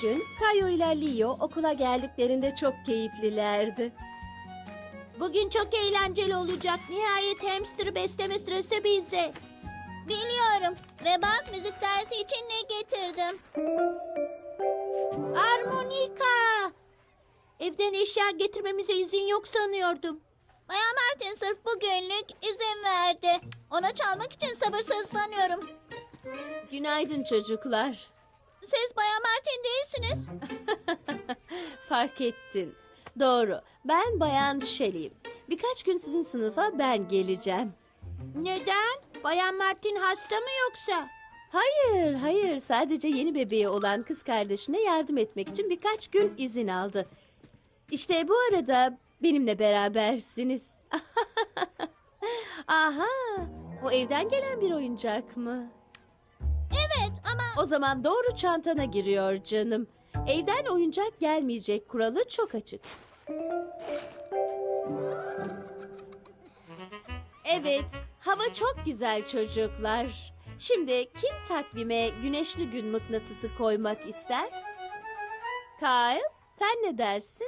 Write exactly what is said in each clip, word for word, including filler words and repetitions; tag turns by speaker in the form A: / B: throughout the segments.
A: gün Kayu ile Leo okula geldiklerinde çok keyiflilerdi.
B: Bugün çok eğlenceli olacak. Nihayet hamster besleme sırası bizde.
C: Biliyorum. Ve bak müzik dersi için ne getirdim.
B: Armonika! Evden eşya getirmemize izin yok sanıyordum.
C: Bayan Martin sırf bugünlük izin verdi. Ona çalmak için sabırsızlanıyorum.
A: Günaydın çocuklar.
C: Siz Bayan Martin değilsiniz.
A: Fark ettin. Doğru. Ben Bayan Shelley'im. Birkaç gün sizin sınıfa ben geleceğim.
B: Neden? Bayan Martin hasta mı yoksa?
A: Hayır, hayır. Sadece yeni bebeği olan kız kardeşine yardım etmek için birkaç gün izin aldı. İşte bu arada benimle berabersiniz. Aha, o evden gelen bir oyuncak mı?
C: Evet ama
A: O zaman doğru çantana giriyor canım. Evden oyuncak gelmeyecek kuralı çok açık. Evet, hava çok güzel çocuklar. Şimdi kim takvime güneşli gün mıknatısı koymak ister? Kyle, sen ne dersin?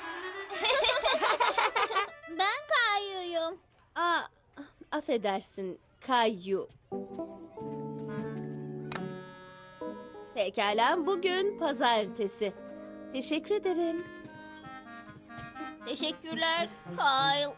C: ben Kayu'yum.
A: Aa, affedersin, Kayu. Pekala, bugün pazartesi. Teşekkür ederim.
C: Teşekkürler Kyle.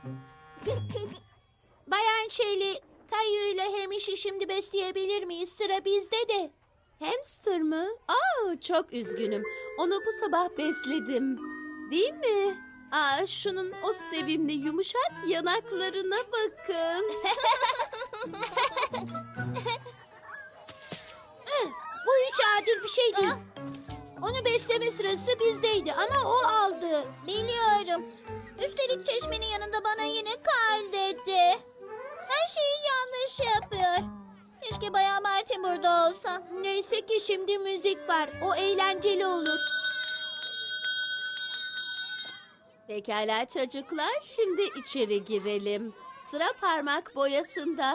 B: Bayan Shelley, Kayu ile Hamish'i şimdi besleyebilir miyiz? Sıra bizde de.
A: Hamster mı? Aa, çok üzgünüm. Onu bu sabah besledim. Değil mi? Aa, şunun o sevimli yumuşak yanaklarına bakın.
B: Bu hiç adil bir şey değil. Onu besleme sırası bizdeydi ama o aldı.
C: Biliyorum. Üstelik çeşmenin yanında bana yine Kyle dedi. Her şeyi yanlış yapıyor. Keşke Bayan Martin burada olsa.
B: Neyse ki şimdi müzik var. O eğlenceli olur.
A: Pekala çocuklar, şimdi içeri girelim. Sıra parmak boyasında.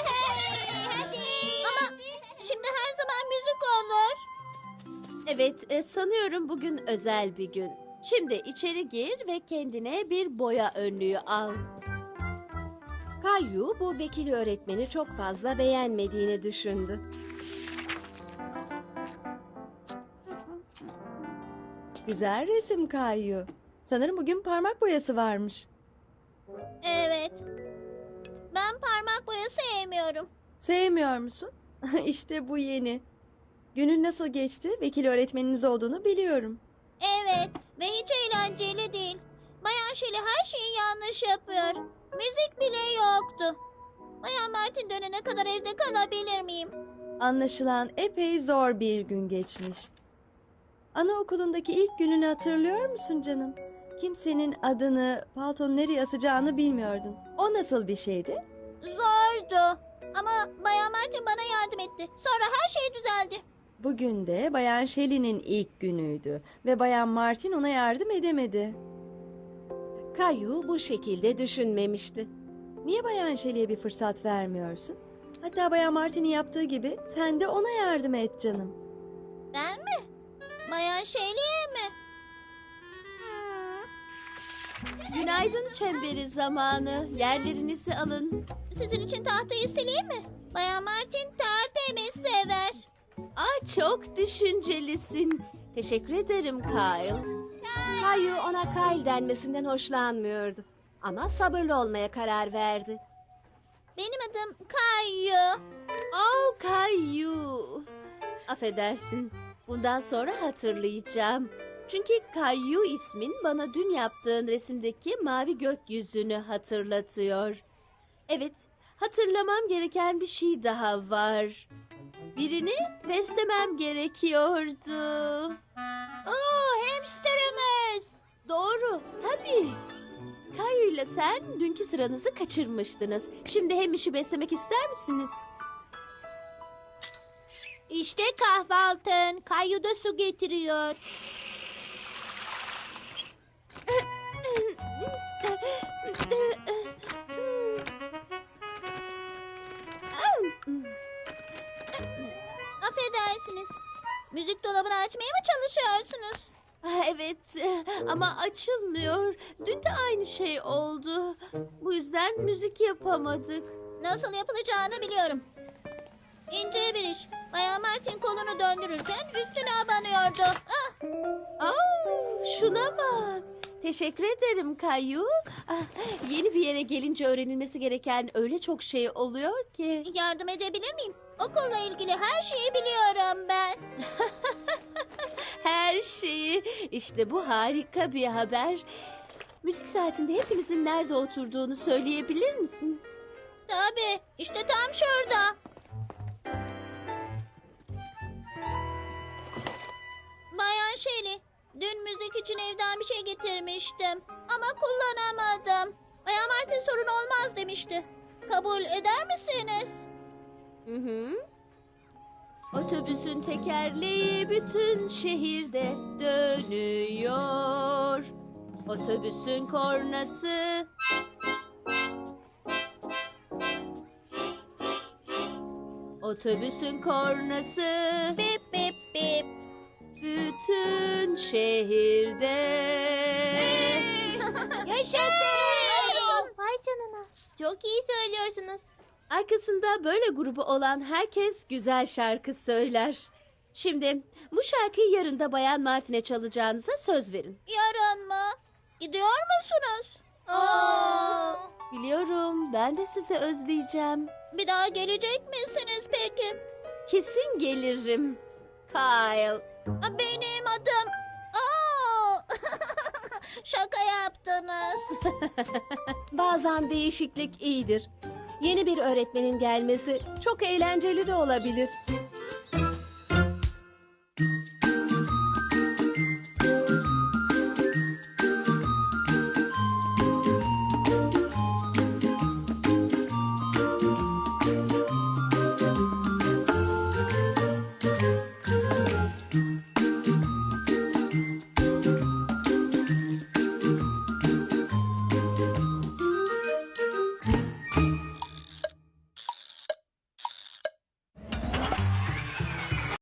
C: Ama şimdi her zaman müzik olur.
A: Evet, e, sanıyorum bugün özel bir gün. Şimdi içeri gir ve kendine bir boya önlüğü al. Kayu bu vekil öğretmeni çok fazla beğenmediğini düşündü.
D: Güzel resim Kayu. Sanırım bugün parmak boyası varmış.
C: Evet. Ben parmak boyası sevmiyorum.
D: Sevmiyor musun? İşte bu yeni. Günün nasıl geçti? Vekil öğretmeniniz olduğunu biliyorum.
C: Evet ve hiç eğlenceli değil. Bayan Shelley her şeyi yanlış yapıyor. Müzik bile yoktu. Bayan Martin dönene kadar evde kalabilir miyim?
D: Anlaşılan epey zor bir gün geçmiş. Anaokulundaki ilk gününü hatırlıyor musun canım? Kimsenin adını, paltonun nereye asacağını bilmiyordun. O nasıl bir şeydi?
C: Zordu. Ama Bayan Martin bana yardım etti. Sonra her şey düzeldi.
D: Bugün de Bayan Shelley'nin ilk günüydü ve Bayan Martin ona yardım edemedi.
A: Kayu bu şekilde düşünmemişti.
D: Niye Bayan Shelley'e bir fırsat vermiyorsun? Hatta Bayan Martin'in yaptığı gibi sen de ona yardım et canım.
C: Ben mi? Bayan Shelley'e mi? Hmm,
A: Günaydın çemberi zamanı. Yerlerinizi alın.
C: sizin için tahtayı sileyim mi? Bayan Martin tertemiz sever.
A: Aa, çok düşüncelisin. Teşekkür ederim Kyle. Kayu ona Kyle denmesinden hoşlanmıyordu. Ama sabırlı olmaya karar verdi.
C: Benim adım Kayu.
A: Oh Kayu. Affedersin. Bundan sonra hatırlayacağım. Çünkü Kayu ismin bana dün yaptığın resimdeki mavi gökyüzünü hatırlatıyor. Evet, hatırlamam gereken bir şey daha var. Birini beslemem gerekiyordu.
B: Oo, hamsterımız.
A: Doğru, tabii. Kayu ile sen dünkü sıranızı kaçırmıştınız. Şimdi hem işi beslemek ister misiniz?
B: İşte kahvaltın. Kayu da su getiriyor.
C: Affedersiniz. Müzik dolabı buzdolabını açmaya mı çalışıyorsunuz?
A: Ah, evet ama açılmıyor. Dün de aynı şey oldu. Bu yüzden müzik yapamadık.
C: Nasıl yapılacağını biliyorum. İnce bir iş. Bayan Martin kolunu döndürürken üstüne abanıyordu. Ah!
A: Aa, şuna bak. Teşekkür ederim Kayu. Ah, yeni bir yere gelince öğrenilmesi gereken öyle çok şey oluyor ki.
C: Yardım edebilir miyim? Okulla ilgili her şeyi biliyorum ben.
A: Her şeyi. İşte bu harika bir haber. Müzik saatinde hepinizin nerede oturduğunu söyleyebilir misin?
C: Tabii. İşte tam şurada. Bayan Shelley, dün müzik için evden bir şey getirmiştim. Ama kullanamadım. Bayan Martin sorun olmaz demişti. Kabul eder misiniz?
A: Hı hı. Otobüsün tekerleği bütün şehirde dönüyor. Otobüsün kornası. Otobüsün kornası.
C: Bip bip bip.
A: Bütün şehirde.
C: Yaşasın! Vay canına. Çok iyi söylüyorsunuz.
A: Arkasında böyle grubu olan herkes güzel şarkı söyler. Şimdi bu şarkıyı yarın da Bayan Martin'e çalacağınıza söz verin.
C: Yarın mı? Gidiyor musunuz? Aa!
A: Biliyorum, ben de sizi özleyeceğim.
C: Bir daha gelecek misiniz peki?
A: Kesin gelirim. Kyle.
C: Benim adım... Aa! Şaka yaptınız.
E: Bazen değişiklik iyidir. Yeni bir öğretmenin gelmesi çok eğlenceli de olabilir.